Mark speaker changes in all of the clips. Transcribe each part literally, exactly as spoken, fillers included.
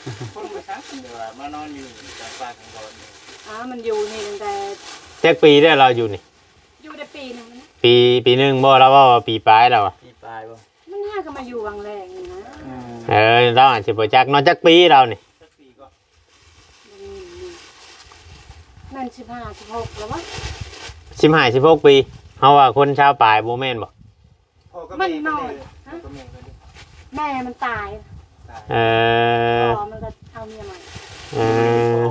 Speaker 1: คนมาชักเดี๋ยวมานอนอยู่กลางป่ากลางดอน
Speaker 2: อ๋อมันอยู่นี่ตั้งแต่
Speaker 3: จักปีได้เราอยู่นี่
Speaker 2: อยู่ได้ปีหนึงนะ
Speaker 3: ปีปีนึงบ่เราว่าปีปลายแล้วอ่ะ
Speaker 1: ปีปลายบ่
Speaker 2: มันน่าก็มาอยู่วังแรงนี่นะ
Speaker 3: เออเราอาจจะบ่จักนอนจักปีเรานี่
Speaker 1: สักปีก็
Speaker 2: แม่นสิบห้าสิบหกแล้ววะ
Speaker 3: สิบห้า สิบหกปีเฮาว่าคนชาวปลายบ่แม่นบ่
Speaker 2: มันน้อยแม่มันตาย
Speaker 3: เออ
Speaker 2: พ่อมันก็เอาเมียใหม่
Speaker 3: เออ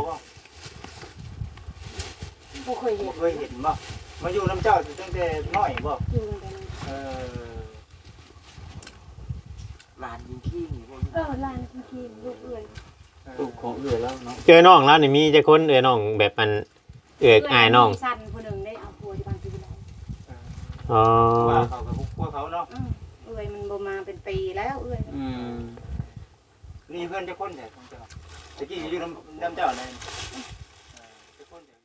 Speaker 2: บ่เคยเห็น
Speaker 1: เคยเห็นบ่มาอยู่น้ำเจ้าตั้งแต่น้อยบ่
Speaker 2: อยู่ตั้งแต่น้อย
Speaker 1: เออลานยิงขี้นี่บ่
Speaker 2: เออลานจริงๆลูกเอื้อย
Speaker 1: ลูกของเอื้อยแล้วเนาะ
Speaker 3: เจอน้องแล้วนี่มีจักคนเอ้ยน้องแบบมันเอื้อยอ้ายน้อง
Speaker 2: สั่นผู้นึงได้เอาผัวที่บ้านที่ไหน
Speaker 3: อ๋อ
Speaker 1: ว่าเขากับพวกเขาเนาะ
Speaker 2: เอื้อยมันบ่มาเป็นปีแล้วเอื้อย
Speaker 1: อืมนี่เพื่อนจะคนแต่ของเจ้าตะกี้อยู่น้ำน้ำเจ้าเลยจะคนแต่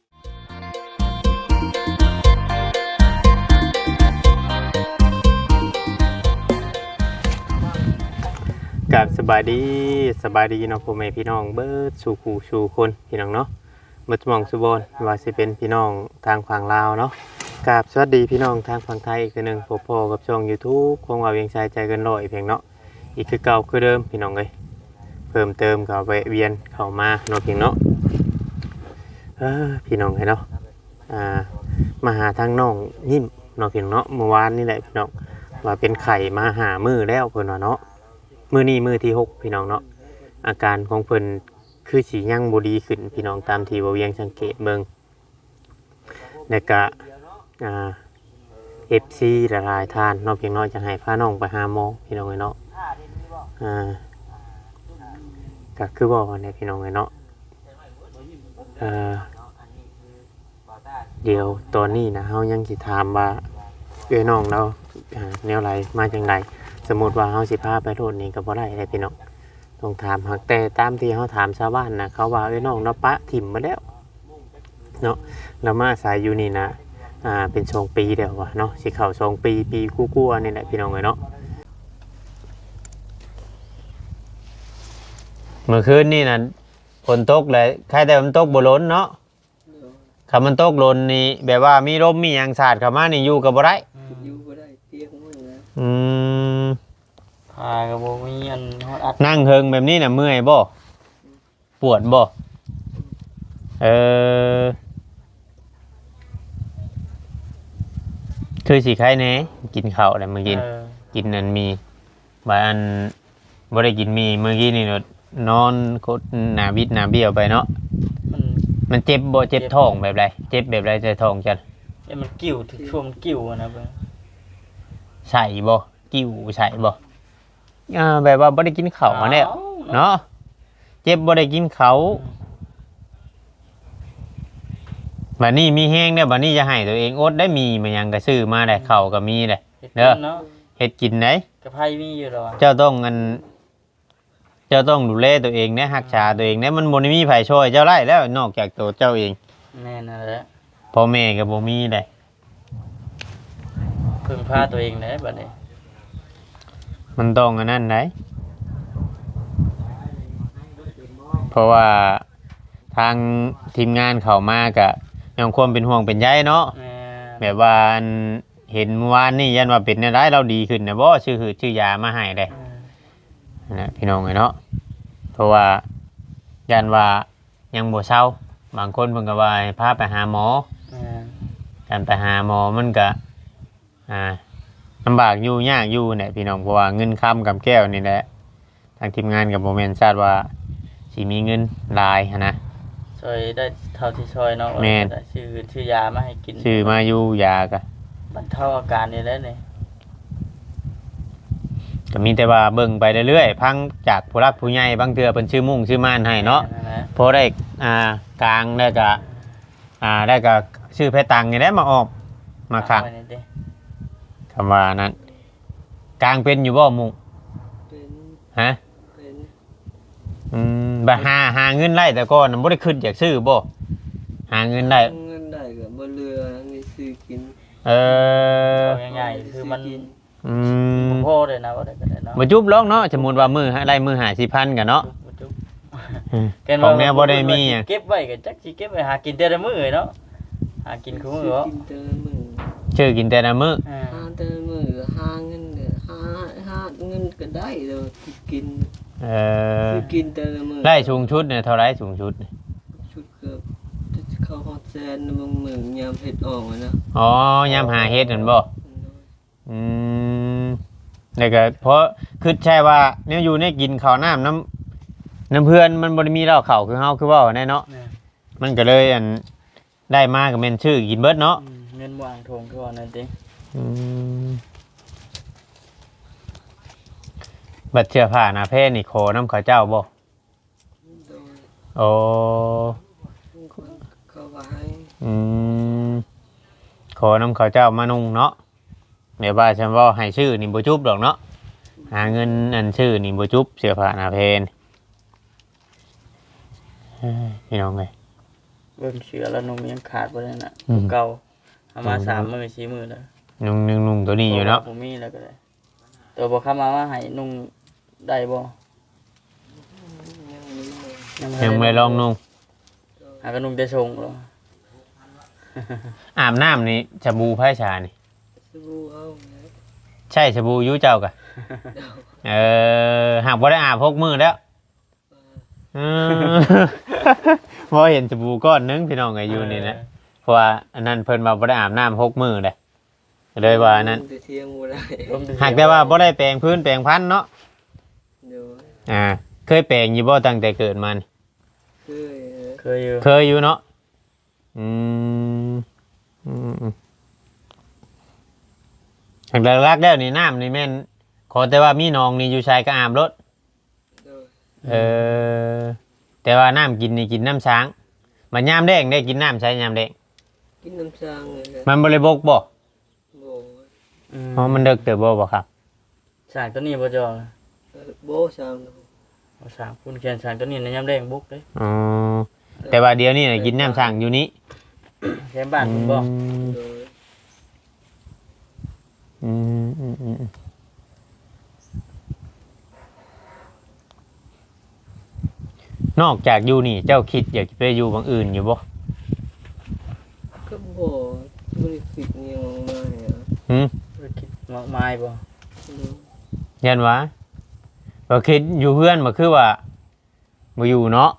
Speaker 3: กับสบายดีสบายดีเนาะพ่อแม่พี่น้องเบิดสู่คู่สู่คนพี่น้องเนาะเบิดมองสุบอนว่าสิเป็นพี่น้องทางฝั่งลาวเนาะกับสวัสดีพี่น้องทางฝั่งไทยอีกนึงพบพอกับช่อง YouTube ของว่าเวียงชายใจเกินร้อยเพียงเนาะอีกคือเก่าคือเดิมพี่น้องเอ้ยเพิ่มเติมกับแวะเวียนเข้ามาเนาะเพียงเนาะเออพี่น้องเอ้ยเนาะอ่ามาหาทางน้องนิ่มเนาะเพียงเนาะเมื่อวานนี่แหละพี่น้องว่าเป็นไข่มาหามือแล้วเพิ่นว่าเนาะมือนี้มือที่หกพี่น้องเนาะอาการของเพิ่นคือสียั่งบดีขึ้นพี่น้องตามที่บ่เวียงสังเกตเบิ่งแล้วก็อ่า เอฟ ซี ละลายทานเนาะเพียงน้อยจะให้พาน้องไปหาหมอพี่น้องเนาะอ่าก็คือบอกว่าเนี่ยพี่น้องเนาะเอ่อเดี๋ยวตอนนี้นะเฮายังสิถามว่าเอ้ยน้องเราอ่าแนวไหลมาจังไดสมมุติว่าเฮาสิพาไปโทษนี่ก็บ่ได้เลยพี่น้องต้องถามหักแต่ตามที่เฮาถามชาวบ้านนะเขาว่าเอ้ยน้องเราปะถิ่มมาแล้วเนาะแล้วมาอาศัยอยู่นี่นะอ่าเป็นสองปีเดียววะเนาะสิเข้าสองปีปีกู้ๆนี่แหละพี่น้องเนาะเมื่อคืนนี่นะฝนตกเลยใครแต่มันตกบ่ล้นเนาะคำมันตกล้นนี่แบบว่ามีลมมีหยังสาดเข้ามานี่อยู่ก็บ่ได้
Speaker 4: อยู่บ่ได้เตี้ยของมึงนะ
Speaker 3: อืม
Speaker 1: พากับบ่มีอันฮอดอัด
Speaker 3: นั่งเฮิงแบบนี้น่ะเมื่อยบ่ปวดบ่เออคือสิใครแน่กินข้าวอะไรเมื่อกี้กินนั่นมีบางอันบ่ได้กินมีเมื่อกี้นี่เนาะนอนโคตรหน้าบิดหน้าเบี้ยวไปเนาะมันมันเจ็บบ่เจ็บท้องแบบไรเจ็บแบบไรใจท้องจัง
Speaker 1: เอ้มันกิ้วถึงช่วงกิ้วนะเบิ่ง
Speaker 3: ใส่บ่กิ้วใส่บ่อ่าแบบว่าบ่ได้กินข้าวมาแล้วเนาะเจ็บบ่ได้กินข้าวบัดนี้มีแห้งเนี่ยบัดนี้จะให้ตัวเองอดได้มีมันยังก็ซื้อมาได้ข้าวก็มีได้เด้อเฮ็ดกินได้
Speaker 1: กระไผมีอยู่ดอก
Speaker 3: เจ้าต้องอันเจ้าต้องดูแลตัวเองนะรักษาตัวเองนะมันบ่ได้มีไผช่วยเจ้าได้แล้วนอกจากตัวเจ้าเอง
Speaker 1: แม่นั่นแหละ
Speaker 3: พ่อแม่ก็บ่มีได้
Speaker 1: พึ่งพาตัวเองได้บัดนี้
Speaker 3: มันต้องอันนั้นได้เพราะว่าทางทีมงานเข้ามาก็ยังความเป็นห่วงเป็นใยเนาะแบบว่าเห็นเมื่อวานนี่ยันว่าเป็นอะไรเราดีขึ้นนะบ่ชื่อหือชื่อยามาให้ได้นะพี่น้องเนาะเพราะว่ายันว่ายังบ่เศร้าบางคนเพิ่นก็ว่าให้พาไปหาหมอการไปหาหมอมันก็อ่าลำบากอยู่ยากอยู่เนี่ยพี่น้องเพราะว่าเงินค้ำกับแก้วนี่แหละทางทีมงานกับบ่แม่นทราบว่าสิมีเงินหลายหันนะ
Speaker 1: ช่วยได้เท่าที่ช่วยเนาะชื่อชื่อยามาให้กิน
Speaker 3: ชื่อมาอยู่ยาก็
Speaker 1: บรรเทาอาการนี่แหละนี่
Speaker 3: ก็มีแต่ว่าเบิ่งไปเรื่อยๆพังจากผู้รักผู้ใหญ่บางเทื่อเพิ่นชื่อมุ่งชื่อม่านให้เนาะพอได้อ่ากลางได้ก็อ่าได้ก็ชื่อเพชรตังนี่แหละมาออกมาคักคำว่านั้นกลางเป็นอยู่บ่มุ่ง
Speaker 4: เป็น
Speaker 3: ฮะ
Speaker 4: เป็น
Speaker 3: อืมบ่หาหาเงินได้แต่ก่อนบ่ได้ขึ้นจากซื้อบ่หาเงินได้
Speaker 4: เงินได้ก็บ่เหลือมีซื้อกิน
Speaker 3: เออ
Speaker 1: ง่ายๆคือมัน
Speaker 3: อืม
Speaker 1: โพดเลยนะบ่ได้ก็ได้เนาะ
Speaker 3: บ่จุบลองเนาะสมมุติว่ามื้อได้มื้อห้าสิบพันกันเนาะ
Speaker 1: บ่จุบ
Speaker 3: ของแนวบ่ได้มีอ่ะ
Speaker 5: เก็บไว้ก็จักสิเก็บไว้หากินแต่ละมื้อเนาะหากินคู่มื้อ
Speaker 4: ซื้อ
Speaker 5: บ่
Speaker 4: กินแต่ละมื้อ
Speaker 3: ชื่อกินแต่ละมื้อ
Speaker 5: อ่า
Speaker 4: หาแต่ละมื้อหาเงินเนี่ยหาหาเงินก็ได้เด้อกิน
Speaker 3: เออ
Speaker 4: ซื้อกินแต่ละมื้อ
Speaker 3: ไล่สูงชุดเนี่ยเท่าไรสูงชุดเนี่ย
Speaker 4: ชุดเกือบจะเข้าฮอดแสนบางมื้อยามเฮ็ดออกอะนะ
Speaker 3: อ๋อยามหาเฮ็ดนั่นบ่อืมแล้วก็เพราะคือใช่ว่าเนี่ยอยู่ในกินข้าวน้ำน้ำน้ำเพื่อนมันบ่ได้มีเหล้าข้าวคือเฮาคือเว้าแน่เนาะ
Speaker 5: แม่
Speaker 3: มันก็เลยอันได้มาก็แม่นชื่อกินเบิดเนาะ
Speaker 5: อืมเงินวางทงคือว่านั่นติ
Speaker 3: อืมบัดเสื้อผ้าหน้าเพศนี่ขอน้ำข้าวเจ้าบ่
Speaker 4: โดย
Speaker 3: โอ้
Speaker 4: เขาว่าให้
Speaker 3: อืมขอน้ำข้าวเจ้ามานุ่งเนาะแม่ว่าฉันว่าให้ชื่อนี่บ่จุบดอกเนาะหาเงินอันชื่อนี่บ่จุบเสื้อผ้าหน้าเพศเฮ้ยพี่น้องเอ้ย
Speaker 5: เบิ่งเสือแล้วนมยังขาดบ่ได้น่ะ
Speaker 3: อืม
Speaker 5: เก่าเอามาสามมื้อสี่มื้อแล้ว
Speaker 3: นุ่งนุ่งนุ่งตัวนี้อยู่เนาะ
Speaker 5: ผมมีแล้วก็ได้ตัวบ่เข้ามาว่าให้นุ่งได้บ่
Speaker 4: ยังบ่
Speaker 3: ยังไม่ลองนุ่ง
Speaker 5: หาก็นุ่งแต่ชงเหรอ
Speaker 3: อาบน้ำนี่สบู่ไผ่ชานี่
Speaker 4: สบู่เอานะ
Speaker 3: ใช่สบู่อยูเจ้ากะ เออหากบ่ได้อาบพกมือแล้วเออ เพราะเห็นสบู่ก้อนหนึงพี่น้องก็อยู่นี่นะเพราะว่าอันนั้นเพิ่นว่าบ่ได้อาบน้ำพกมือเลยเลยว่าอันนั้น
Speaker 4: แต่เที่ยงบ่ได้
Speaker 5: ลม
Speaker 3: หากแต่ว่าบ่ได้แปรงพื้นแปรงพันเนาะ
Speaker 4: เดี๋ยว
Speaker 3: อ่าเคยแปรงอยู่บ่ตั้งแต่เกิดมานี่
Speaker 4: เคยนะ
Speaker 5: เคยอยู่
Speaker 3: เคยอยู่เนาะอืมอืมอืมหากหลักๆแล้วนี่น้ำนี่แม่นขอแต่ว่ามีหนองนี่อยู่ชายก็อาบรถ
Speaker 4: เดี๋ยว
Speaker 3: เออแต่ว่าน้ำกินนี่กินน้ำช้างมันยามแดงได้กินน้ำใช้ยามแดง
Speaker 4: กินน้ำซางเลยนะ
Speaker 3: มันบริบกบ่
Speaker 4: บ่
Speaker 3: เพราะมันเด็กเติบบ่บ่ครับ
Speaker 5: สร้างตัวนี้บ่จอ
Speaker 4: เออบ่ซาง
Speaker 5: บ่สร้างคุณแขนสร้างตัวนี้ในยามแดงบุกเด้
Speaker 3: อ๋อแต่ว่าเดี๋ยวนี้น่ะกินน้ำช้างอยู่นี้
Speaker 5: แถมบ้านคุณบ่
Speaker 3: อืม
Speaker 4: โดย
Speaker 3: อืมอืมอืมนอกจากอยู่นี่เจ้าคิดอยากจะไปอยู่บางอื่นอยู่บ่
Speaker 4: ก็บ่บ่ได้คิดอิหยังมาเนี่ย
Speaker 3: หืม
Speaker 5: บ่คิดมากมายบ่
Speaker 4: เดี๋ยว
Speaker 3: ยันวะบ่คิดอยู่เพื่อนบ่คือว่าบ่อยู่เนาะ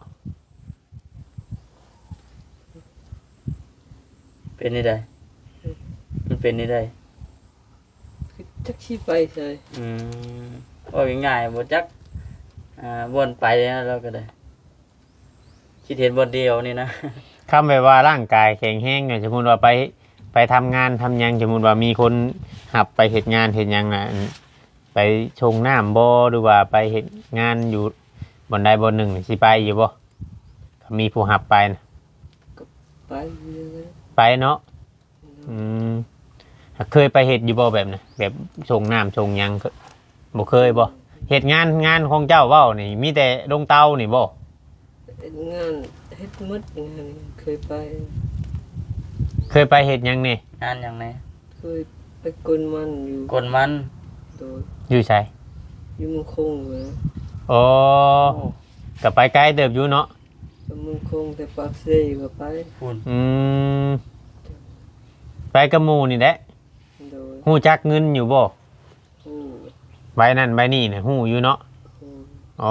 Speaker 5: เป็นนี่ได้มันเป็นนี่ได้
Speaker 4: คือจักสิไปใส่
Speaker 5: อืมว่าง่ายๆบ่จักอ่าวนไปนะเราก็ได้คิดเห็นบนเดียวนี่นะ
Speaker 3: คำแบบว่าร่างกายแข็งแรงเนี่ยสมมุติว่าไปไปทำงานทำหยังสมมุติว่ามีคนหับไปเฮ็ดงานเฮ็ดหยังน่ะอันไปชงน้ำบ่หรือว่าไปเฮ็ดงานอยู่บนใดบนหนึ่งนี่สิไปอยู่บ่ถ้ามีผู้หับไปนะ
Speaker 4: ไปเลย
Speaker 3: ไปเนาะอืมเคยไปเฮ็ดอยู่บ่แบบน่ะแบบชงน้ำชงหยังเคบ่เคยบ่เฮ็ดงานงานของเจ้าเว้านี่มีแต่ลงเตานี่บ่
Speaker 4: เฮ็ดงานเฮ็ดหมดงานนี่เคยไป
Speaker 3: เคยไปเฮ็ดหยังนี่
Speaker 5: งานอย่างไหน
Speaker 4: เคยไปกลมันอยู่
Speaker 5: กลมัน
Speaker 4: โดย
Speaker 3: อยู่ไส
Speaker 4: อยู่เมืองคงเลย
Speaker 3: โอ้ก็ไปไกลเติบอยู่เนาะ
Speaker 4: ไปเมืองคงแต่ปากเซก็ไป
Speaker 5: คุณ
Speaker 3: อืมไปกับหมู่นี่แหละ
Speaker 4: โดย
Speaker 3: ฮู้จักเงินอยู่บ่
Speaker 4: ผู้
Speaker 3: ใบนั่นใบนี่เนี่ยฮู้อยู่เนาะ
Speaker 4: ผู้
Speaker 3: อ๋อ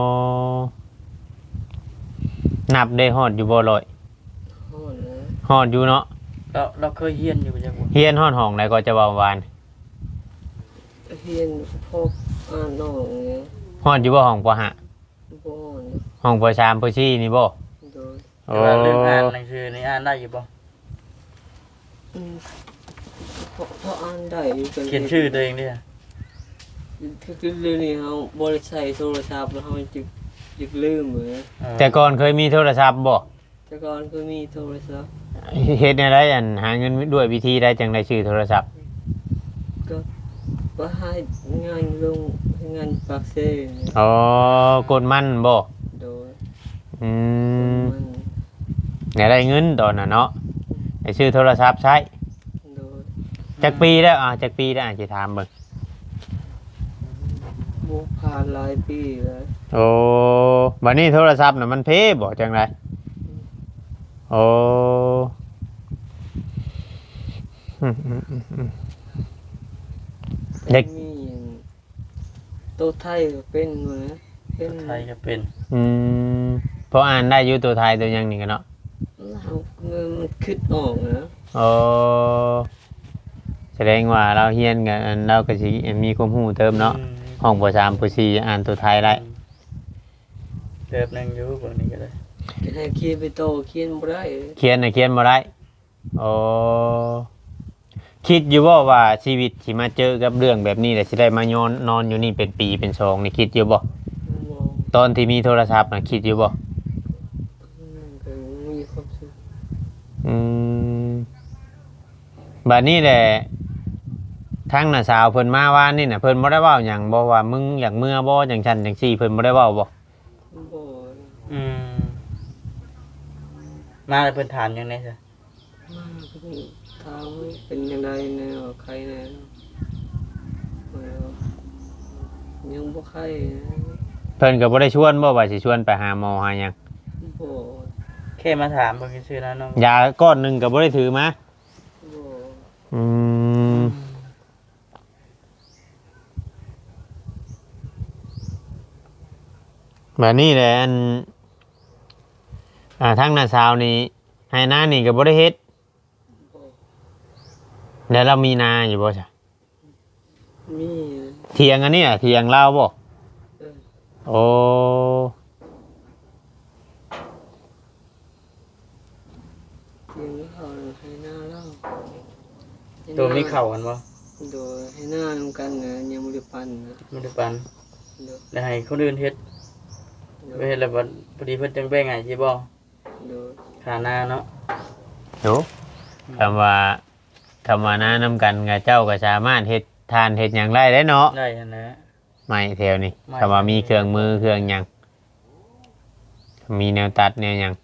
Speaker 3: นับได้ฮอดอยู่บ่ร้อย
Speaker 4: ฮ้อนนะ
Speaker 3: ฮอดอยู่เนาะ
Speaker 5: เราเราเคยเฮียนอยู่บ่จักบ่
Speaker 3: เฮียนฮอดห้องใดก็จะเว้าวาน
Speaker 4: เฮียนพออ่านนอกเนี่ย
Speaker 3: ฮอดอยู่บ่ห้องปห้า
Speaker 4: บ่ฮ้อน
Speaker 3: ห้องปสามปสี่นี่บ่
Speaker 4: โดย
Speaker 3: โอ้
Speaker 5: แต่ว่าเรื่องอ่านหนังสือนี่อ่านได้อยู่บ่
Speaker 4: อืมพอพออ่านได้อยู่กัน
Speaker 5: เขียนชื่อตัวเองดิ
Speaker 4: คือเรื่องนี้เฮาบ่ได้ใช้โทรศัพท์แล้วเฮาจึกจึกลืมเหมือน
Speaker 3: แต่ก่อนเคยมีโทรศัพท์บ่
Speaker 4: แต่ก่อนก็มีโทรศัพท์
Speaker 3: เฮ็ดแนวใดอันหาเงินด้วยวิธีใดจังได้ชื่อโทรศัพท์
Speaker 4: ก็บ่ให้งานลงงานปากเซเนี่ย
Speaker 3: อ๋อกดมันบ่
Speaker 4: โดย
Speaker 3: อืม
Speaker 4: มัน
Speaker 3: เนี่ยได้เงินตอนน่ะเนาะได้ชื่อโทรศัพท์ใช้
Speaker 4: โดย
Speaker 3: จักปีแล้วอ่าจักปีแล้วอ่ะสิถามเบิ่ง
Speaker 4: บ่ผ่านหลายปีแล้ว
Speaker 3: โอ้บัดนี้โทรศัพท์น่ะมันเพบ่จังไดโอ้อืมๆ เด็ก
Speaker 4: มีอย่างโตไทยก็เป็นเหมือนเป็น
Speaker 5: ไทยก็เป็น
Speaker 3: อืมเพราะอ่านได้อยู่ตัวไทยตัวหยังนี่กันเนาะ
Speaker 4: เราเงินมันคิดออกนะ
Speaker 3: โอ้แสดงว่าเราเฮียนกันเราก็สิมีความรู้เติมเนาะห้องปสามปสี่อ่านตัวไทยได้
Speaker 5: เติบนึงอยู่บางนี้ก็ได้
Speaker 4: จะให้เขียนไปโตเขียนบ่ได้
Speaker 3: เขียนน่ะเขียนบ่ได้โอ้คิดอยู่บ่ว่าชีวิตสิมาเจอกับเรื่องแบบนี้แล้วสิได้มานอนนอนอยู่นี่เป็นปีเป็นสองนี่คิดอยู่บ่
Speaker 4: มอง
Speaker 3: ตอนที่มีโทรศัพท์น่ะคิดอยู่บ่
Speaker 4: ก็มีความสุข
Speaker 3: อืมบัดนี้แหละทางน่ะสาวเพิ่นมาว่านี่น่ะเพิ่นบ่ได้เว้าหยังบ่ว่ามึงอยากเมื่อบ่จังซั่นจังซี่เพิ่นบ่ได้เว้าบ่
Speaker 4: บ่
Speaker 5: อืมมาแล้วเพิ่นถามหยังไงซะ
Speaker 4: มาก็ถามว่าเป็นยังไงแนวใครแนวเออยังบ่ใครนะ
Speaker 3: เพิ่นก็บ่ได้ชวนบ่ว่าสิชวนไปหาหมอหาหยัง
Speaker 4: บ่
Speaker 5: แค่มาถามเพิ่นซื่อๆนะน้อง
Speaker 3: ยาก้อนหนึงก็บ่ได้ถือมา
Speaker 4: บ่
Speaker 3: อืมบัดนี้แหละอันอ่าทางน้าสาวนี่ให้นานี่ก็บ่ได้เฮ็ด
Speaker 4: บ่
Speaker 3: แล้วเรามีนาอยู่บ่จ้ะ
Speaker 4: มีนะ
Speaker 3: เถียงอันนี้อ่ะเถียงเราบ่
Speaker 4: เออ
Speaker 3: โอ้
Speaker 4: เพียงเขาให้หน้าเล่าให้
Speaker 5: ตัวมี
Speaker 4: ห
Speaker 5: เข้ากันบ่
Speaker 4: โดยให้หน้านำกันนะยังบ่ได้ปันนะ
Speaker 5: บ่ได้ปัน
Speaker 4: เด้อ
Speaker 5: แล้วให้คนอื่นเฮ็ด
Speaker 4: เด้
Speaker 5: ไป
Speaker 4: อ
Speaker 5: เฮ็ดแล้วบัดพอดีเพิ่นจังแบ่งให้สิบ่
Speaker 4: เด้อ
Speaker 5: ค่าหน้าเนาะ
Speaker 3: โหคำว่าคำว่านานํกันกับเจ้าก็สามารถเฮ็ดทานเฮ็ดหยังได้ได้เนาะ
Speaker 5: ได้หั่นแหละ
Speaker 3: ไม่แถวนี้
Speaker 5: ไม่
Speaker 3: คำว่ามีเครื่องมือเครื่องหยังมีแนวตัดแนวหยัง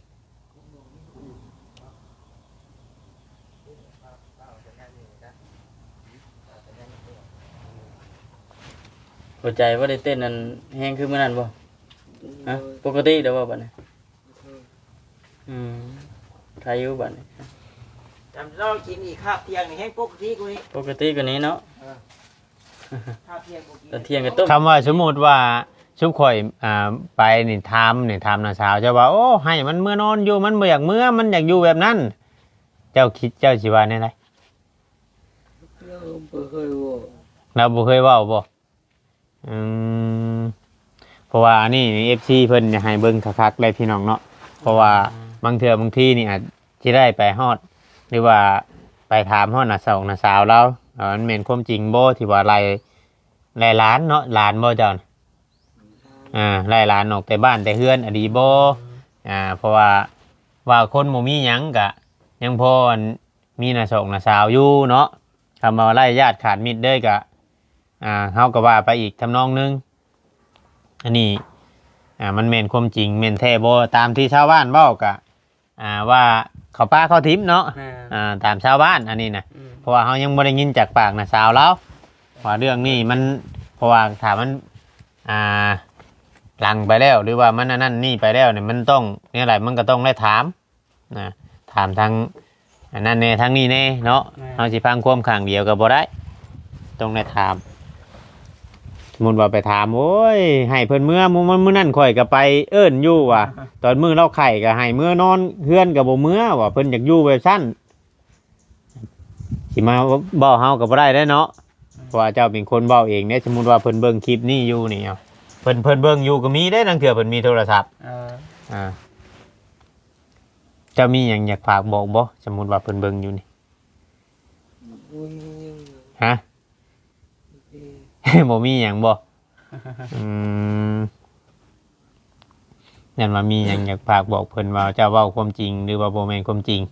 Speaker 5: หัวใจบ่ได้เต้นนั่นแฮงคือมื้อนั้นบ่ฮะ
Speaker 4: โดย
Speaker 5: ปกติเด้อบ่บัดนี้
Speaker 4: โดย
Speaker 5: อืมใครอยู่บัดนี้
Speaker 1: จำเรากินอีกคาบเที่ยงนี่แห้งปกติกูนี่
Speaker 5: ปกติกว่านี้เนาะ
Speaker 1: คาบเที่ยงกูกิน
Speaker 5: ตอนเที่ยงก็ต้ม
Speaker 3: คำว่าสมมุติว่าชุบข่อยอ่าไปนี่ถามนี่ถามน้าสาวเจ้าว่าโอ้ให้มันเมื่อนอนอยู่มันบ่อยากเมื่อมันอยากอยู่แบบนั้น เจ้าคิดเจ้าสิว่าแนวใด
Speaker 4: เราบ่เคยบอก
Speaker 3: เราบ่เคยเว้าบ่อืมเพราะว่าอันนี้ เอฟ ซี เพิ่นอยากให้เบิ่งคักๆเลยพี่น้องเนาะเพราะว่าบางเทื่อบางทีนี่อาจสิได้ไปฮอดหรือว่าไปถามฮอดน้าสาวน้าสาวเราว่ามันแม่นความจริงบ่ที่ว่าไล่ไล่หลานเนาะหลานบ่เจ้าน่ะอ่าไล่หลานออกแต่บ้านแต่เฮือนอดีบ่อ่าเพราะว่าว่าคนบ่มีหยังก็ยังพอมีน้าสาวน้าสาวอยู่เนาะคำว่าไล่ญาติขาดมิตรเด้อก็อ่าเฮาก็ว่าไปอีกทำนองนึงอันนี้อ่ามันแม่นความจริงแม่นแท้บ่ตามที่ชาวบ้านเว้าก็อ่าว่าเขาป้าเขาทิพย์เนาะ
Speaker 5: แม่
Speaker 3: อ่าตามชาวบ้านอันนี้นะ
Speaker 5: อืม
Speaker 3: เพราะว่าเขายังไม่ได้ยินจากปากนะสาวแล้วว่าเรื่องนี้มันเพราะว่าถามมันอ่าหลังไปแล้วหรือว่ามันอันนั่นนี่ไปแล้วเนี่ยมันต้องเนี่ยอะไรมันก็ต้องได้ถามนะถามทางอันนั้นเน่ทางนี้เน่เนาะเอาสิพังความขังเดียวกับบ่ได้ต้องได้ถามสมมุติว่าไปถามโอ้ยให้เพิ่นเมื่อมื้อมื้อนั่นข่อยก็ไปเอิ้นอยู่ว่ะตอนมื้อเราไข่ก็ให้เมื่อนอนเฮือนก็บ่เมื่อว่าเพิ่นอยากอยู่แบบซั่น สิมาเบ้าเฮาก็บ่ได้เด้อเนาะเพราะว่าเจ้าเป็นคนเบ้าเองเนี่ยสมมุติว่าเพิ่นเบิ่งคลิปนี้อยู่นี่เอาเพิ่นเพิ่นเบิ่งอยู่ก็มีได้นังเถื่อเพิ่นมีโทรศัพท์
Speaker 5: เออ
Speaker 3: อ่าเจ้ามีหยังอยากฝากบอกบ่สมมุติว่าเพิ่นเบิ่งอยู่นี่
Speaker 4: บ่มีหยัง
Speaker 3: ฮะ
Speaker 4: เอ้ย
Speaker 3: บ่มีหยังบ่อืมนั่นว่ามีหยังอยากฝากบอกเพิ่นว่าเจ้าเว้าความจริงหรือว่าบ่แม่นความจริง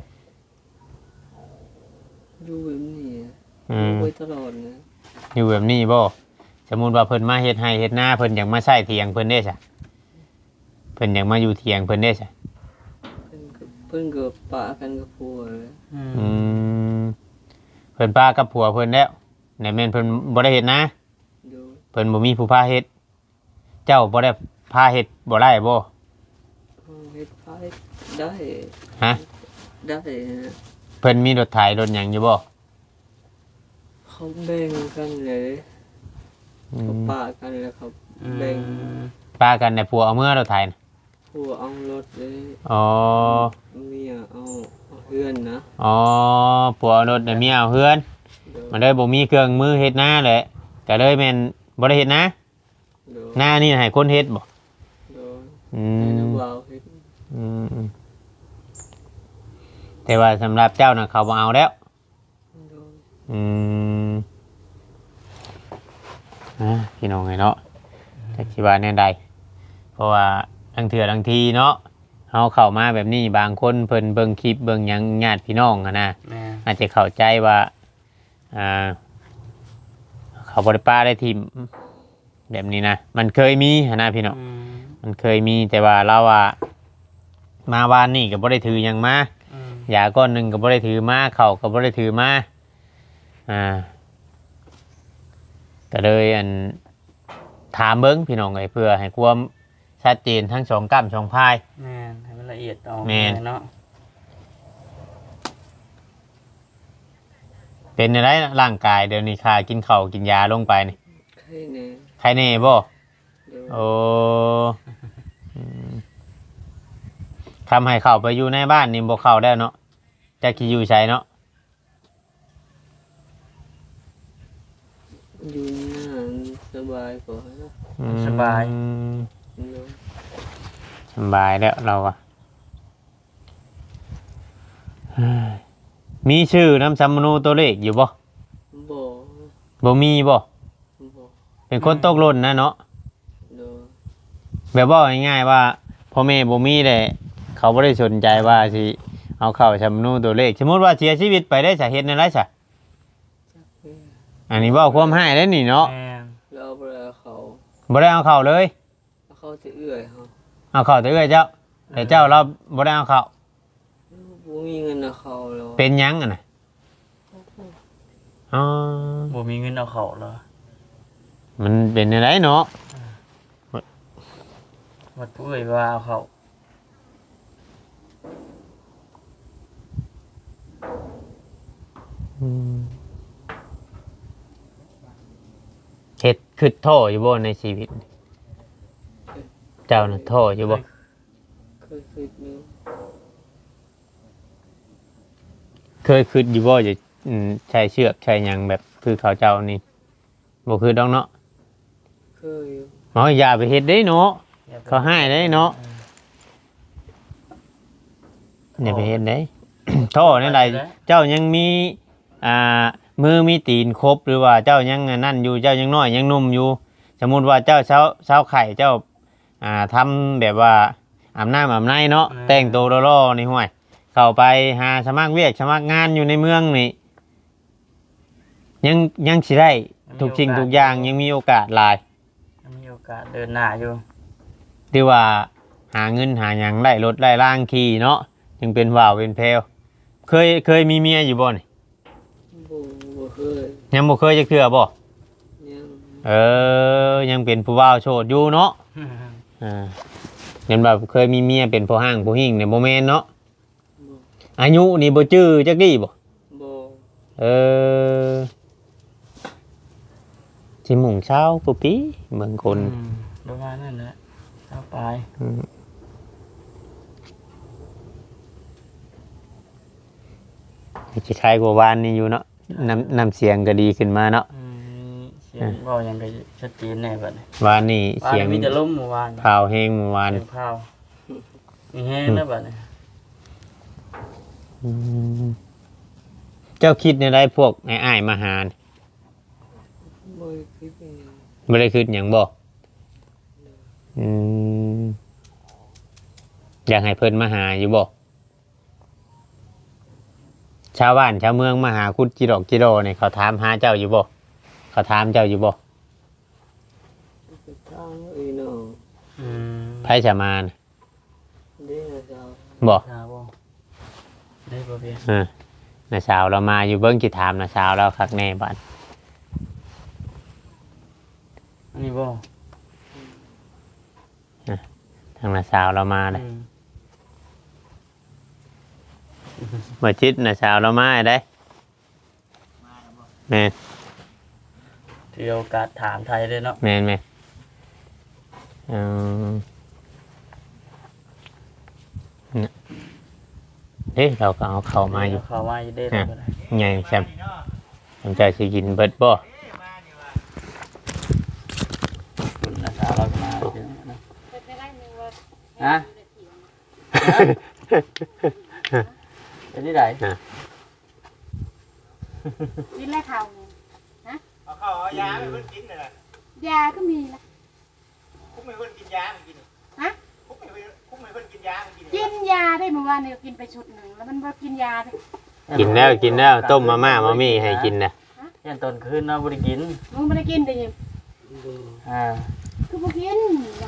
Speaker 4: อยู่แบบนี้อะ
Speaker 3: อืม
Speaker 4: อยู่ไว้ตลอดนะ
Speaker 3: อยู่แบบนี้บ่สมมุติว่าเพิ่นมาเฮ็ดให้เฮ็ดนาเพิ่นอยากมาใช้เถียงเพิ่นเด้ซะเพิ่นอยากมาอยู่เถียงเพิ่นเด้ซะ
Speaker 4: เพิ่นก็เพิ่นก็ปะกันกับผัวเลย
Speaker 5: อืม
Speaker 3: อืมเพิ่นป้ากับผัวเพิ่นแล้วในแม่นเพิ่นบ่ได้เฮ็ดนะ
Speaker 4: โดย
Speaker 3: เพิ่นบ่มีผู้พาเฮ็ดเจ้าบ่ได้พพาเฮ็ดบ่ได้บ่
Speaker 4: เฮ็ดพายได้
Speaker 3: ฮะ
Speaker 4: ได้นะ
Speaker 3: เพิ่นมีรถไถรถหยังอยู่บ่
Speaker 4: เขาแบ่งกันเลย
Speaker 3: อื
Speaker 4: เขา
Speaker 3: ม
Speaker 4: ปะกันแล้วเขาแบ่ง
Speaker 3: ป้ากันในผัวเอาเมื่อรถไถน่ะ
Speaker 4: ผัวเอารถเลย
Speaker 3: อ๋อ
Speaker 4: เมียเอาเอาเพื่อนนะ
Speaker 3: อ๋อผัวเอารถน่ะเมียเอาเฮือน
Speaker 4: เดี๋ยว
Speaker 3: มันเลยบ่มีเครื่องมือเฮ็ดนาแหละก็เลยแม่นบ่ได้เฮ็ดนา
Speaker 4: เดี๋ยว
Speaker 3: หน้านี่ให้คนเฮ็ดบ่
Speaker 4: เดี๋ยว
Speaker 3: อื
Speaker 4: ให้
Speaker 3: ม
Speaker 4: น้ำบ่าวเฮ็ด
Speaker 3: อืมอืมแต่ว่าสำหรับเจ้าน่ะเขาบ่เอาแล้ว
Speaker 4: เดี๋ยว
Speaker 3: อืมอ่ะพี่น้องไงเนาะจักสิว่าแนวใดเพราะว่าทั้งเถื่อทั้งทีเนาะเฮาเข้ามาแบบนี้บางคนเพิ่นเบิ่งคลิปเบิ่งหยังญาติพี่น้องอะนะ
Speaker 5: แม่
Speaker 3: อาจจะเข้าใจว่าอ่าเขาบ่ได้ป้าได้ทิมแบบนี้นะมันเคยมีหั้นนะพี่น้อง
Speaker 5: อืม
Speaker 3: มันเคยมีแต่ว่าเราว่ามา วานนี่ก็บ่ได้ถือหยังมา
Speaker 5: อืม
Speaker 3: ยาก้อนหนึงก็บ่ได้ถือมาข้าวก็บ่ได้ถือมาอ่าก็เลยอันถามเบิ่งพี่น้องเอ้ยเพื่อให้ความชัดเจนทั้งสองกั้มสองพาย
Speaker 5: แม่นให้มันละเอียดออก
Speaker 3: แม่น
Speaker 5: เนาะ
Speaker 3: เป็นอะไรร่างกายเดี๋ยวนี้ค่ากินข้าวกินยาลงไปนี่
Speaker 4: ใครแน่
Speaker 3: ใครแน่บ่
Speaker 4: เดี๋ยว
Speaker 3: โอ้อืมทำให้เข้าไปอยู่ในบ้านนี่บ่เข้าได้เนาะจะกี่อยู่ใช้เนาะ
Speaker 4: อยู่นานสบายกว่านะ
Speaker 3: อืม
Speaker 5: สบาย
Speaker 4: เดี๋ยว
Speaker 3: สบายแล้วเราอะเฮ้ยมีชื่อน้ำซัมมนูตัวเลขอยู่บ่
Speaker 4: บ่
Speaker 3: บ่มีบ่
Speaker 4: บ่
Speaker 3: เป็นคนตกหล่นนะเนาะ
Speaker 4: เดี๋ยว
Speaker 3: แบบว่าง่ายๆว่าพ่อแม่บ่มีเลยเขาบ่ได้สนใจว่าสิเอาเข้าซัมมนูตัวเลขสมมุติว่าเสียชีวิตไปได้สาเหตุอะไรซะอันนี้เว้าความหายได้นี่เนาะ
Speaker 5: แม่น
Speaker 4: แล้วเอาไปเอาเขา
Speaker 3: บ่ได้เอาเข้าเลย
Speaker 4: เอาเขาจะเอื้อยเขา
Speaker 3: เอาเข้าแต่เอ้ยเจ้าแต่เจ้าเราบ่ได้เอาเข้า
Speaker 4: บ่มีเงินเอาเขาแล้ว
Speaker 3: เป็นหยังอ่ะน่ะอ๋อ
Speaker 5: บ่มีเงินเอาเข้าเหรอ
Speaker 3: มันเป็นอะไรเนาะ
Speaker 5: วัดผู้เอ่ยว่าเอาเข้า
Speaker 3: อืมเฮ็ดคือโทษอยู่บ่ในชีวิต เจ้าน่ะโทษอยู่บ่
Speaker 4: เคยคิดอยู่
Speaker 3: เคยคิดอยู่บ่จะอืมใช้เชือกใช้หยังแบบคือเขาเจ้านี่บ่คือดอกเนาะ
Speaker 4: เคยอยู่
Speaker 3: เฮาอย่าไปเฮ็ดเด้เนาะเขาให้ได้เนาะอย่าไปเฮ็ดเด้ โทษนั่นใดเจ้ายังมีอ่ามือมีตีนครบหรือว่าเจ้ายังนั่นอยู่เจ้ายังน้อยยังหนุ่มอยู่ สมมุติว่าเจ้าเช้าเช้าไข่เจ้าอ่าทำแบบว่าอาบน้ำอาบในเนาะแต่งตัวล่อๆนี่ห่วย เข้าไปหาสมัครเวียกสมัครงานอยู่ในเมืองนี่ยังยังสิได้ทุกสิ่งทุกอย่างยังมีโอกาสหลาย
Speaker 5: ยังมีโอกาสเดินหน้าอยู่
Speaker 3: ที่ว่าหาเงินหาหยังได้รถได้ล่างขี่เนาะจึงเป็นว่าวเป็นแพรวเคยเคยมีเมียอยู่บ่นี่
Speaker 4: บ่บ่เคย
Speaker 3: ยังบ่เคยจะเทื่อบ่
Speaker 4: ยัง
Speaker 3: เออยังเป็นผู้ว่าวโสดอยู่เนาะอ่าเห็นแบบเคยมีเมียเป็นผู้ห้างผู้หิ่งเนี่ยบ่แม่นเนาะ
Speaker 4: บ่
Speaker 3: อายุนี่บ่จื้อจักดีบ่
Speaker 4: บ่
Speaker 3: เออสิหมุ่งเช้าปุปีเบิ่งคน
Speaker 5: อืมประมาณนั้นแหละเอาไป
Speaker 3: อืมสิคล้ายกว่าวานนี่อยู่เนาะน้ำน้ำเสียงก็ดีขึ้นมาเนาะ
Speaker 5: อืมเสียงเว้ายังก็ชัดเจนแน่บัดนี้
Speaker 3: วานนี่
Speaker 5: บ้าน
Speaker 3: เสียง
Speaker 5: มีแต่ลมเมื่อวาน
Speaker 3: พาวแห้งเมื่อวาน
Speaker 5: เสียงพาวมีแห้งนะบัดนี้
Speaker 3: อืมเจ้าคิดในไรพวกไอ้อ้ายมาหานี่
Speaker 4: บ่คิดยังไง
Speaker 3: ไม่ได้คิดอย่างบ่อืมอยากให้เพิ่นมาหาอยู่บ่ชาวบ้านชาวเมืองมาหาคุดจิดอกจิโดเนี่ยเขาถามหาเจ้าอยู่บ่เขาถามเจ้าอยู่บ่
Speaker 4: ไปทางไอ้น้อง
Speaker 5: อืม
Speaker 3: ไผจะมาน่ะ
Speaker 4: เด้อเจ้า
Speaker 3: บ่
Speaker 5: ชาบ่ได้บ่เพียง
Speaker 3: อ่าน้าสาวเรามาอยู่เบิ่งสิถามน้าสาวเราคักแน่บัด
Speaker 5: อันนี้บ่
Speaker 3: ทางน้าสาวเรามาเลย
Speaker 5: อืม
Speaker 3: บ่จิตน้าสาวเรามาได้แม่น
Speaker 5: ถือโอกาสถามไทยเลยเนาะ
Speaker 3: แม่นแม่นอืมเนี่ยเฮ้ยเราก็เอาเข้ามาอยู่
Speaker 5: เขามาอยู่ได้แล้วก็ได้
Speaker 3: ใหญ่แซมผมจะสิกินเบิดบ่
Speaker 5: คุณอาสาเราก็มาเดี๋ยวนะ
Speaker 2: เป็นไปได้นึงว่า
Speaker 5: ฮะเป็นที่ไหน
Speaker 2: กินแล้วเขา
Speaker 1: เอาข้าวเอายาไปเพิ่นกินน่ะ
Speaker 2: ยาก็มีละ
Speaker 1: คุกไม่เพิ่นกินยามันกิน
Speaker 2: ฮะ
Speaker 1: คุกไม่เพิ่นคุกไม่เพิ่นกินยามันกิน
Speaker 2: กินยาได้เมื่อวานเนี่ยกินไปชุดหนึ่งแล้วมันบ่กินยาเลย
Speaker 3: กินแล้วกินแล้วต้มมาม่ามามี่ให้กินนะ
Speaker 5: ยันตอนคืนเนาะบ่ได้กิน
Speaker 2: มึงไม่ได้กินได้ยัง
Speaker 5: อ่า
Speaker 2: คือบ่กิน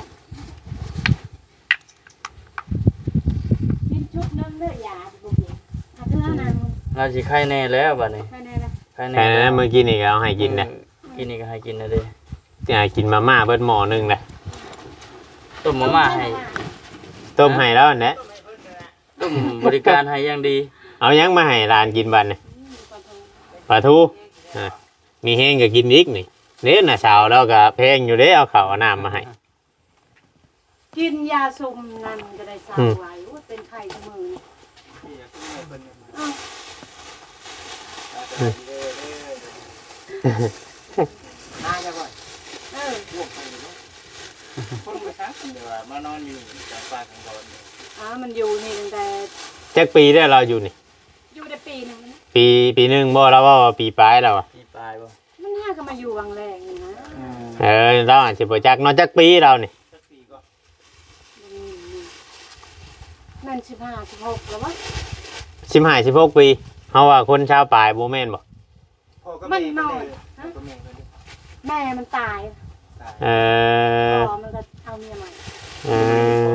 Speaker 2: กินชุดหนึงเด้อยาบ่กินอ่ะเท่านั้นมึง
Speaker 5: เราสิไข้แน่แล้วบัดนี้
Speaker 2: แค่นี้ละ
Speaker 5: ไข้แน่
Speaker 3: แค่นั้นเมื่อกี้นี่ก็เอาให้กินนะ
Speaker 5: กินนี่ก็ให้กินนะเด้
Speaker 3: อ่ากินมาม่าเบิดหม้อหนึงนะ
Speaker 5: ต้มมาม่าให้
Speaker 3: ต้มให้แล้วอันนะ
Speaker 5: ต้มบริการให้อย่างดี
Speaker 3: เอายังมาให้ร้านกินบัดนี่ปลาทูอ่ามีแห้งก็กินอีกนี่เด้น่ะสาวเราก็แพงอยู่เด้เอาข้าวเอาน้ำมาให้
Speaker 2: กินยาซุมนั่นก็ได้สาว
Speaker 3: อืม
Speaker 2: ไว้ว่าเป็นไข้ทุกมื้อนี่
Speaker 1: เออเออเออน่าจะบ่อย
Speaker 2: เออ
Speaker 1: พวกไปเนาะคนบ่ซักเดี๋ยวว่ามานอนอยู่กลางป่ากลางดอนเนี่ย
Speaker 2: อ่ามันอยู่นี่ตั้งแต่
Speaker 3: จักปีได้เราอยู่นี่
Speaker 2: อยู่ได้ปีหนึงนะ
Speaker 3: ปีปีหนึงบ่เราว่าว่าปีปลายแล้วอะ
Speaker 5: ปีปลายบ่
Speaker 2: มันน่าก็มาอยู่วังแรงนี่นะ
Speaker 5: อืม
Speaker 3: เออเราอาจสิบ่จักเนอกจักปีเรานี่
Speaker 1: สักปีก็
Speaker 2: อืมนั่นสิบห้าสิบหกแล้ววะ
Speaker 3: สิบห้า สิบหกปีเฮาว่าคนชาวปลายบ่แม่นบ่
Speaker 1: พ่อก็แม่ก็เลยพ่อก็แม่ก็เลย
Speaker 2: แม่มันตาย
Speaker 3: เออ
Speaker 2: พ่อมันก็เอาเมียใหม่
Speaker 3: เออ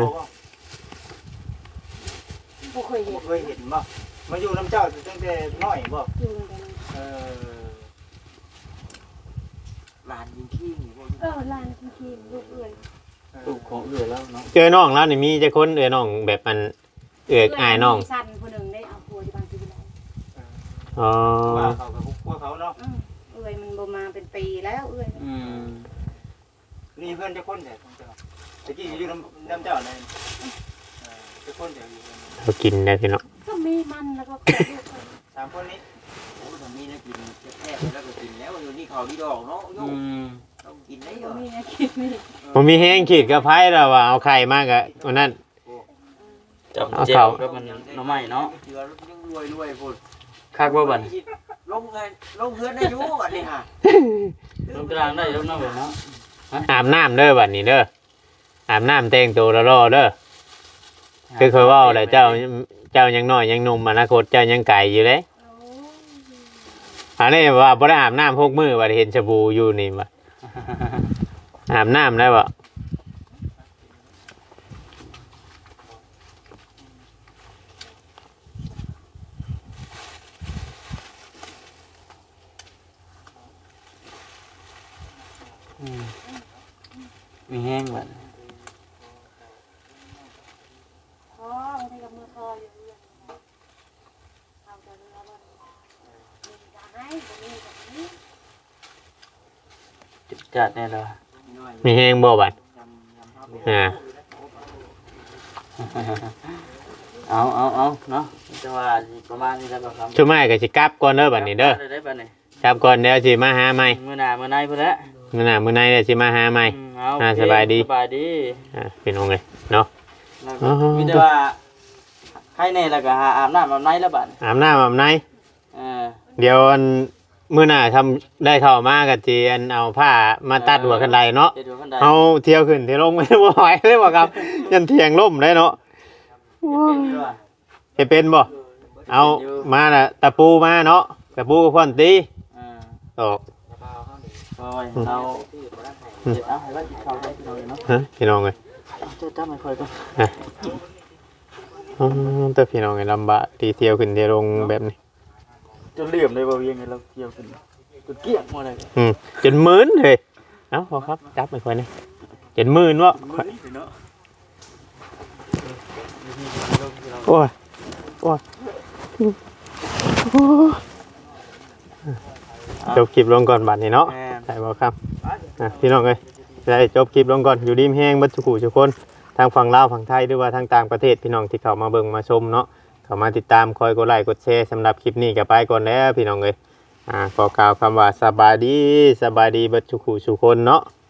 Speaker 2: บ่เคยเห็น
Speaker 1: เคยเห็นบ่มาอยู่น้ำเจ้าตั้งแต่น้อยบ่
Speaker 2: อยู่ตั้งแต่นั้น
Speaker 1: เออหลานยิงขี้นี่บ่
Speaker 2: เออหลานคุณคีลูกเอื้อย
Speaker 5: ลูกของเอื้อแล้วเนาะ
Speaker 3: เจอน้องแล้วนี่มีจักคนเอ้ยน้องแบบมันเอื้อยอายน้อง
Speaker 2: มีสั้นผู้หนึ่งได้เอาผัวที่บ้านที่ไหน
Speaker 3: อ๋อ
Speaker 1: ว่าเขากับพวกเขาเนาะ
Speaker 2: อืมเอื้อยมันบ่มาเป็นปีแล้วเอื้อย
Speaker 5: อืม
Speaker 1: นี่เพื่อนจะคนแต่ของเจ้าตะกี้อยู่น้ำน้ำเจ้าเลยจะคนแต่อยู่
Speaker 3: เรากินได้พี่น้อง
Speaker 2: ก็มีมันแล้วก็เกิดลูกคน
Speaker 1: สามคนนี้
Speaker 6: โอ้ทำนี้นะกินแค่แล้วก็กินแล้วอยู่นี่เขาดีดอกเนาะโย
Speaker 5: อืม
Speaker 6: ต้องกินได้เหร
Speaker 2: บ่
Speaker 6: อ
Speaker 2: มีนะคิดนี่
Speaker 3: ผมมีแห้งขีดกับไผ่แล้วว่าเอาไข่มากอะวันนั้น
Speaker 5: จับ
Speaker 3: เอา
Speaker 5: เจีย
Speaker 3: เข้า
Speaker 5: วกับมันหน่อไม้เนาะ
Speaker 6: เจือยังรวยรวยพูด
Speaker 5: คักบ่บัด
Speaker 6: ลงเงินลงเงินได้อยู่อันนี้ฮะ
Speaker 5: ลงกลางได้ลงน้ำเนาะ
Speaker 3: อาบน้ำเด้อบัดนี้เด้ออาบน้ำแต่งตัวรอๆเด้อคือเคยเว่าแหละเจ้าเจ้ายังน้อยยังหนุ่มอนาคตเจ้ายังไก่อยู่เลย
Speaker 2: โอ้
Speaker 3: อันนี้ว่าบ่ได้อาบน้ำพกมือว่าเห็นสบู่อยู่นี่ว่าอาบน้ำได้บ่
Speaker 5: อืมมีแห้งบัด
Speaker 2: พ่อมันให้กับมือคออยู่เรื่องเอาแต่เรือบ่มีจะให้บ่มีแบบนี้
Speaker 5: จิตจัดแน่เลย
Speaker 3: มีแห้งบ่บัดอ่า
Speaker 5: เอาเอาเอาเนาะจังหวะประมาณนี้แล้วก็ครับ
Speaker 3: ช่วงไม้ก็สิกลับก่อนเด้อบัดนี้เด้อ
Speaker 5: ได้บัดนี้
Speaker 3: กลับก่อนเดี๋ยวสิมาหาใหม่
Speaker 5: มื้อหน้ามื้อในพุ่นแหละ
Speaker 3: มื้อหน้ามื้อในเดี๋ยวสิมาหาใหม่
Speaker 5: อืมเอา
Speaker 3: อ่า
Speaker 5: โอเค
Speaker 3: สบายดี
Speaker 5: สบายดี
Speaker 3: อ่าพี่น้องเอ้ยเนาะ
Speaker 5: แล้ว
Speaker 3: อ๋
Speaker 5: ก็
Speaker 3: อ
Speaker 5: มีแต่ว่าใครแน่แล้วก็หาอาบน้ำอาบในแล้วบัด
Speaker 3: อาบน้ำอาบใน
Speaker 5: เออ
Speaker 3: เดี๋ยวอันมื้อหน้าทำได้เข้ามาก็สิอันเอาผ้ามาตัดหัวคันไดเนาะ
Speaker 5: เดี๋ยวดูคันใด
Speaker 3: เอาเที่ยวขึ้นเที่ยวลงไม่ได้บ่ไหวเลยบ่ครับ ยันเที่ยงล่มได้เนาะ
Speaker 5: เป็นด้วย
Speaker 3: เฮ็ดเป็นบ่เอามาน่ะตะปูมาเนาะตะปูกับพ่อนตี
Speaker 5: อ่า
Speaker 3: ตอก
Speaker 5: โอ้ยเราเดี๋ยวเอาให้ว่ากินข้าวได้พี่น้องเนาะ
Speaker 3: ฮะพี่น้องเอ้ย
Speaker 5: เอาเจ้าจ้าไม่ค่อยก็
Speaker 3: อ๋อแต่พี่น้องเอ้ยลำบากที่เที่ยวขึ้นเที่ยวลงแบบนี้
Speaker 5: จนเหลี่ยมเลยบ่เวียงไงเราเกี่ยวขึ้นจนเกลี้ยงหมดเลย
Speaker 3: อืมจนหมื่นเฮ้ยเอ้าพอครับจับไม่ค่อยนี่จนหมื่นวะ
Speaker 5: มื้อนี้เนาะ
Speaker 3: โอ้ยโอ้ยโอ้ยจบคลิปลงก่อนบัดนี้เนาะ
Speaker 1: แม่น
Speaker 3: ใช่บ่ครับอ่ะพี่น้องเอ้ยได้จบคลิปลงก่อนอยู่ดีมแห้งเบัดทุกผู้ทุกคนทางฝั่งลาวฝั่งไทยหรือว่าทางต่างประเทศพี่น้องที่เข้ามาเบิ่งมาชมเนาะเข้ามาติดตามคอยกดไลค์กดแชร์สำหรับคลิปนี้ก็ไปก่อนแล้วพี่น้องเอ้ยอ่าขอกล่าวคำว่าสบายดีสบายดีเบัดทุกผู้ทุกคนเนาะ